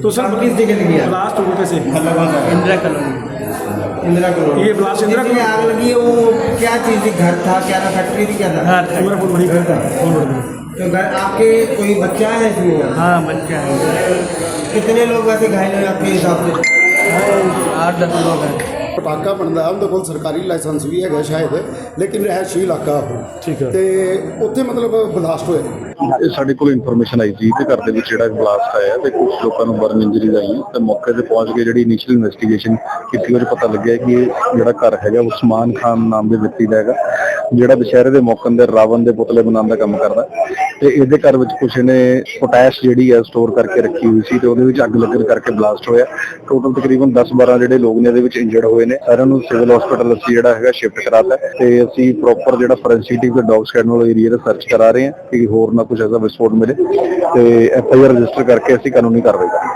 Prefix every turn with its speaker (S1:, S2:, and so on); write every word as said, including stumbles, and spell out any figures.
S1: तो सर
S2: किस जगह लगी आग?
S1: ब्लास्ट हुआ कैसे?
S3: इंदिरा कॉलोनी।
S2: इंदिरा कॉलोनी।
S1: ये ब्लास्ट इंदिरा
S2: जिसमें आग लगी है वो क्या चीज़ थी? घर था क्या था? फैक्ट्री थी क्या था?
S3: हाँ
S1: मेरा फोन बड़ी घर था, फोन बड़ी।
S2: तो घर आपके कोई बच्चा है इसमें?
S3: हाँ बच्चा है।
S2: कितने लोग वैसे घायल हुए आपके हिसाब से?
S3: आठ दस लोग हैं।
S4: ਪਟਾਕਾ ਬਣਦਾ ਉਹਦੇ ਕੋਲ ਸਰਕਾਰੀ ਲਾਇਸੈਂਸ ਵੀ ਹੈਗਾ ਸ਼ਾਇਦ, ਲੇਕਿਨ ਰਹਿਸ਼ੀ ਇਲਾਕਾ ਉਹ
S1: ਠੀਕ ਹੈ।
S4: ਤੇ ਉੱਥੇ ਮਤਲਬ ਬਲਾਸਟ ਹੋਇਆ।
S5: ਇਹ ਸਾਡੇ ਕੋਲ ਇਨਫੋਰਮੇਸ਼ਨ ਆਈ ਸੀ ਕਿ ਘਰ ਦੇ ਵਿੱਚ ਜਿਹੜਾ ਬਲਾਸਟ ਆਇਆ ਤੇ ਕੁਝ ਲੋਕਾਂ ਨੂੰ ਬਰਨ ਇੰਜਰੀਜ਼ ਆਈਆਂ ਤੇ ਮੌਕੇ ਤੇ ਪਹੁੰਚ ਕੇ ਜਿਹੜੀ ਇਨੀਸ਼ੀਅਲ ਇਨਵੈਸਟੀਗੇਸ਼ਨ ਕੀਤੀ ਉਹਦੇ ਪਤਾ ਲੱਗਿਆ ਕਿ ਇਹ ਜਿਹੜਾ ਘਰ ਹੈਗਾ ਉਸਮਾਨ ਖਾਨ ਨਾਮ ਦੇ ਵਿਅਕਤੀ ਦਾ ਹੈਗਾ, ਜਿਹੜਾ ਦੁਸ਼ਹਿਰੇ ਦੇ ਮੌਕੇ ਤੇ ਰਾਵਣ ਦੇ ਪੁਤਲੇ ਬਣਾਉਣ ਦਾ ਕੰਮ ਕਰਦਾ ਤੇ ਇਹਦੇ ਘਰ ਵਿੱਚ ਕੁਛ ਇਹਨੇ ਪੋਟੈਸ਼ ਜਿਹੜੀ ਹੈ ਸਟੋਰ ਕਰਕੇ ਰੱਖੀ ਹੋਈ ਸੀ ਤੇ ਉਹਦੇ ਵਿੱਚ ਅੱਗ ਲੱਗਣ ਕਰਕੇ ਬਲਾਸਟ ਹੋਇਆ। ਟੋਟਲ ਤਕਰੀਬਨ ਦਸ ਬਾਰਾਂ ਜਿਹੜੇ ਲੋਕ ਨੇ ਇਹਦੇ ਵਿੱਚ ਇੰਜਰਡ ਹੋਏ ਨੇ। ਸਾਰਿਆਂ ਨੂੰ ਸਿਵਲ ਹਸਪੀਟਲ ਅਸੀਂ ਜਿਹੜਾ ਹੈਗਾ ਸ਼ਿਫਟ ਕਰਾਤਾ ਤੇ ਅਸੀਂ ਪ੍ਰੋਪਰ ਜਿਹੜਾ ਫੋਰੈਂਸਿਕ ਤੇ ਡੌਗ ਸਕੈਨ ਏਰੀਆ ਦਾ ਸਰਚ ਕਰਾ ਰਹੇ ਹਾਂ ਕਿ ਹੋਰ ਨਾ ਕੁਝ ਐਸਾ ਵਿਸਫੋਟ ਮਿਲੇ ਤੇ ਐਫ ਆਈ ਆਰ ਰਜਿਸਟਰ ਕਰਕੇ ਅਸੀਂ ਕਾਨੂੰਨੀ ਕਾਰਵਾਈ ਕਰਾਂਗੇ।